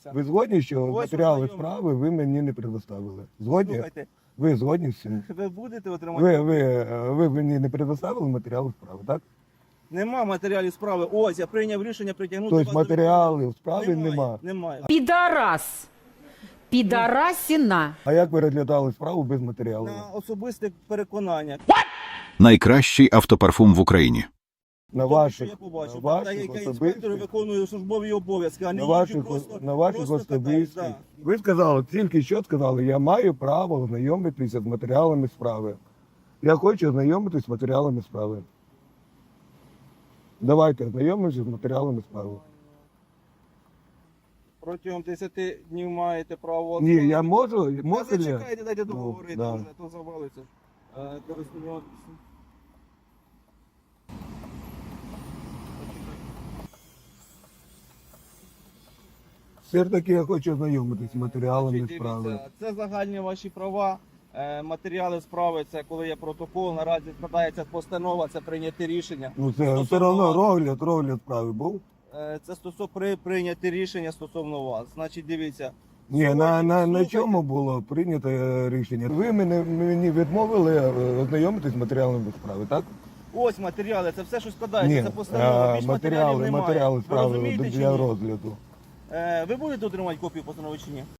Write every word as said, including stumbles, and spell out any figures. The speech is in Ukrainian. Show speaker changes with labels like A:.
A: ознайомитися.
B: Ви згодні, що
A: Ось
B: матеріали
A: ознайомлю.
B: справи ви мені не предоставили? Згодні?
A: Слухайте,
B: Ви згодні з цим?
A: ви будете отримати?
B: Ви, ви, ви мені не предоставили матеріали справи, так?
A: Нема матеріалів справи. Ось, я прийняв рішення притягнути
B: Тобто
A: вас до
B: матеріалів справи
A: відповідальності.
B: нема.
A: Немає.
C: Підарас. Підарасіна.
B: А як ви розглядали справу без матеріалів?
A: На особисте переконання.
D: Найкращий автопарфум в Україні.
B: На
A: Тому
B: ваших,
A: що я побачив,
B: на
A: та
B: ваших
A: яка інспектори
B: особистих,
A: виконують службові обов'язки, а не
B: на
A: їжджу
B: ваших,
A: просто,
B: на ваших
A: просто
B: особистих.
A: катаюсь, да.
B: Ви сказали, тільки що сказали, я маю право ознайомитися з матеріалами справи. Я хочу ознайомитися з матеріалами справи. Давайте ознайомимося з матеріалами справи.
A: Протягом десяти днів маєте право...
B: Ні, я можу,
A: Та
B: можу ли?
A: зачекайте, дайте
B: Ну,
A: договорити
B: да.
A: вже, то завалиться. Е, користуватися.
B: Все ж таки я хочу ознайомитися з матеріалами
A: Значить,
B: справи.
A: дивіться, це загальні ваші права. Е, Матеріали справи, це коли є протокол, наразі складається постанова, це прийняти рішення.
B: Ну це
A: Стосовно
B: все одно
A: вас.
B: розгляд, розгляд справи був.
A: Е, Це стосовно при прийняти рішення стосовно вас. Значить, дивіться.
B: Ні, на, на, на
A: Слухайте.
B: чому було прийнято е, рішення? Ви мене, мені відмовили е, ознайомитись з матеріалами справи, так?
A: Ось матеріали, це все, що складається,
B: Ні,
A: це постанова.
B: е,
A: Більш матеріалів
B: матеріали,
A: немає.
B: матеріали
A: Ви
B: справи
A: розумієте чи
B: для
A: ні?
B: розгляду.
A: Е, Ви будете отримати копію постанови чи ні?